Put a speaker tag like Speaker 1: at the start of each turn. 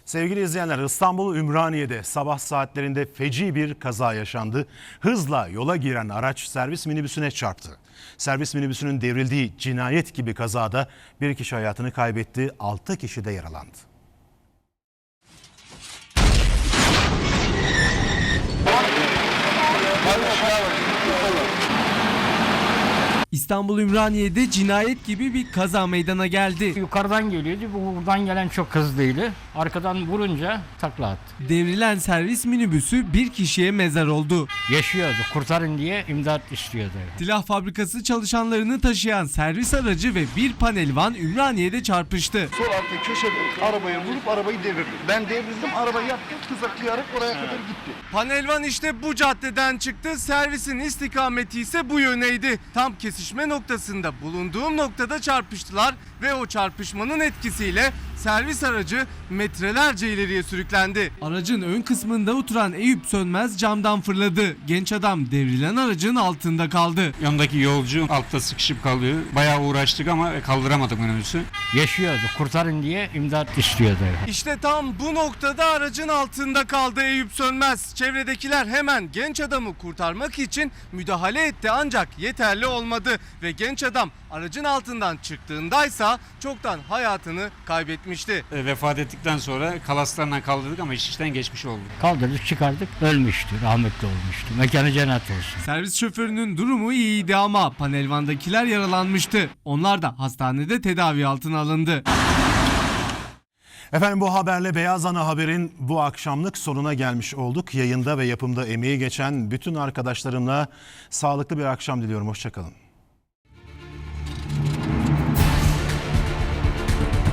Speaker 1: Sevgili izleyenler, İstanbul Ümraniye'de sabah saatlerinde feci bir kaza yaşandı. Hızla yola giren araç servis minibüsüne çarptı. Servis minibüsünün devrildiği cinayet gibi kazada bir kişi hayatını kaybetti, 6 kişi de yaralandı.
Speaker 2: İstanbul Ümraniye'de cinayet gibi bir kaza meydana geldi.
Speaker 3: Yukarıdan geliyordu. Buradan gelen çok hızlıydı. Arkadan vurunca takla attı.
Speaker 2: Devrilen servis minibüsü bir kişiye mezar oldu.
Speaker 3: Yaşıyordu. Kurtarın diye imdat istiyordu.
Speaker 2: Silah fabrikası çalışanlarını taşıyan servis aracı ve bir panelvan Ümraniye'de çarpıştı.
Speaker 4: Sol arka köşede arabaya vurup arabayı devirdi. Ben devrildim, arabayı yaptım, kızaklayarak oraya kadar gitti.
Speaker 2: Panelvan işte bu caddeden çıktı. Servisin istikameti ise bu yöneydi. Tam kesişme noktasında bulunduğum noktada çarpıştılar ve o çarpışmanın etkisiyle servis aracı metrelerce ileriye sürüklendi. Aracın ön kısmında oturan Eyüp Sönmez camdan fırladı. Genç adam devrilen aracın altında kaldı.
Speaker 5: Yanındaki yolcu altta sıkışıp kalıyor. Bayağı uğraştık ama kaldıramadık minibüsü.
Speaker 3: Yaşıyordu. Kurtarın diye imdat istiyordu.
Speaker 2: İşte tam bu noktada aracın altında kaldı Eyüp Sönmez. Çevredekiler hemen genç adamı kurtarmak için müdahale etti ancak yeterli olmadı ve genç adam aracın altından çıktığındaysa çoktan hayatını kaybetmişti.
Speaker 5: Vefat ettikten sonra kalaslarla kaldırdık ama iş işten geçmiş oldu.
Speaker 3: Kaldırdık çıkardık. Ölmüştü. Rahmetli olmuştu. Mekanı cennet olsun.
Speaker 2: Servis şoförünün durumu iyiydi ama panelvandakiler yaralanmıştı. Onlar da hastanede tedavi altına alındı.
Speaker 1: Efendim, bu haberle Beyaz Ana Haber'in bu akşamlık sonuna gelmiş olduk. Yayında ve yapımda emeği geçen bütün arkadaşlarımla sağlıklı bir akşam diliyorum. Hoşça kalın.